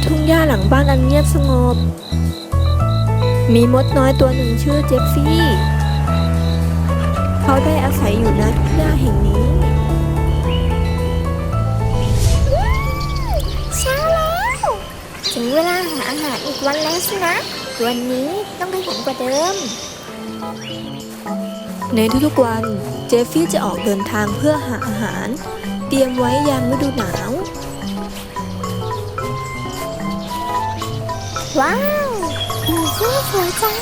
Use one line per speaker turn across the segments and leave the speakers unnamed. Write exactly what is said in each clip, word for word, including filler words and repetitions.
ทุ่งหญ้าหลังบ้านอันเงียบสงบมีมดน้อยตัวหนึ่งชื่อเจฟฟี่เขาได้อาศัยอยู่ณทุ่งหญ้าแห่งนี้
เช้าแล้วถึงเวลาหาอาหารอีกวันแล้วสินะวันนี้ต้องขยันกว่าเดิม
ในทุกๆวันเจฟฟี่จะออกเดินทางเพื่อหาอาหารเตรียมไว้ยามฤดูหนาว
ว้าวผีเสื้อสวยจัง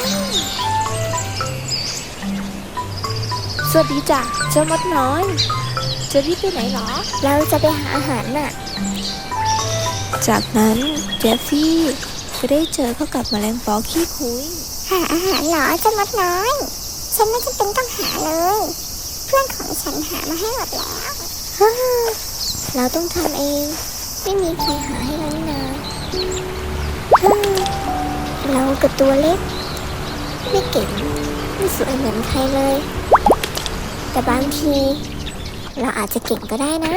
สวัสดีจ้ะเจ้ามดน้อยจะรีบไปไหนหรอ
เราจะไปหาอาหารน่ะ
จากนั้นเจฟฟี่จะได้เจอเข้ากับแมลงปอขี้คุย
หาอาหารเหรอเจ้ามดน้อยฉันไม่จำเป็นต้องหาเลยเพื่อนของฉันหามาให้หมดแล้วเราต้องทำเองไม่มีใครหาให้เรานี่นาเรากับตัวเล็กไม่เก่งไม่สวยเหมือนใครเลยแต่บางทีเราอาจจะเก่งก็ได้นะ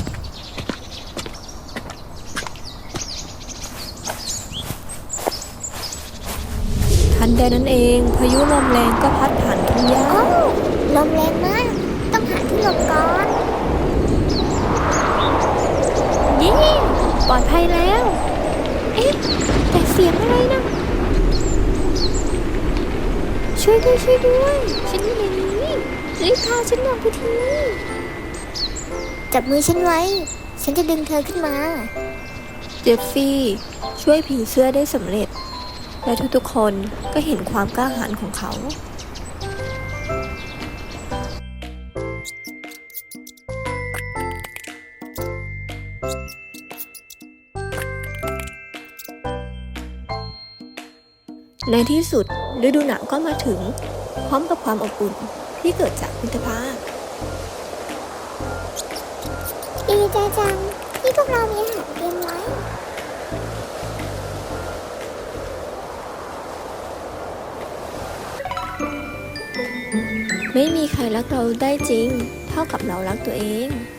ทันใดนั้นเองพายุลมแรงก็พัดผ่านทุ่งหญ้า
โอ้ลมแรงมากต้องหาที่หลบก่อน
ยิ่ปลอดภัยแล้วเอ๊ะแต่เสียงอะไรนะช่วยด้วยช่วยด้วยฉันอยู่ในนี้รีบพาฉันออกไปที
จับมือฉันไว้ฉันจะดึงเธอขึ้นมา
เจฟฟี่ช่วยผีเสื้อได้สำเร็จและทุกๆคนก็เห็นความกล้าหาญของเขาในที่สุดฤดูหนาวก็มาถึงพร้อมกับความอบอุ่นที่เกิดจากมิตรภาพ
ดีใจจังที่พวกเรามีอาหารเตรียมไว้
ไม่มีใครรักเราได้จริงเท่ากับเรารักตัวเอง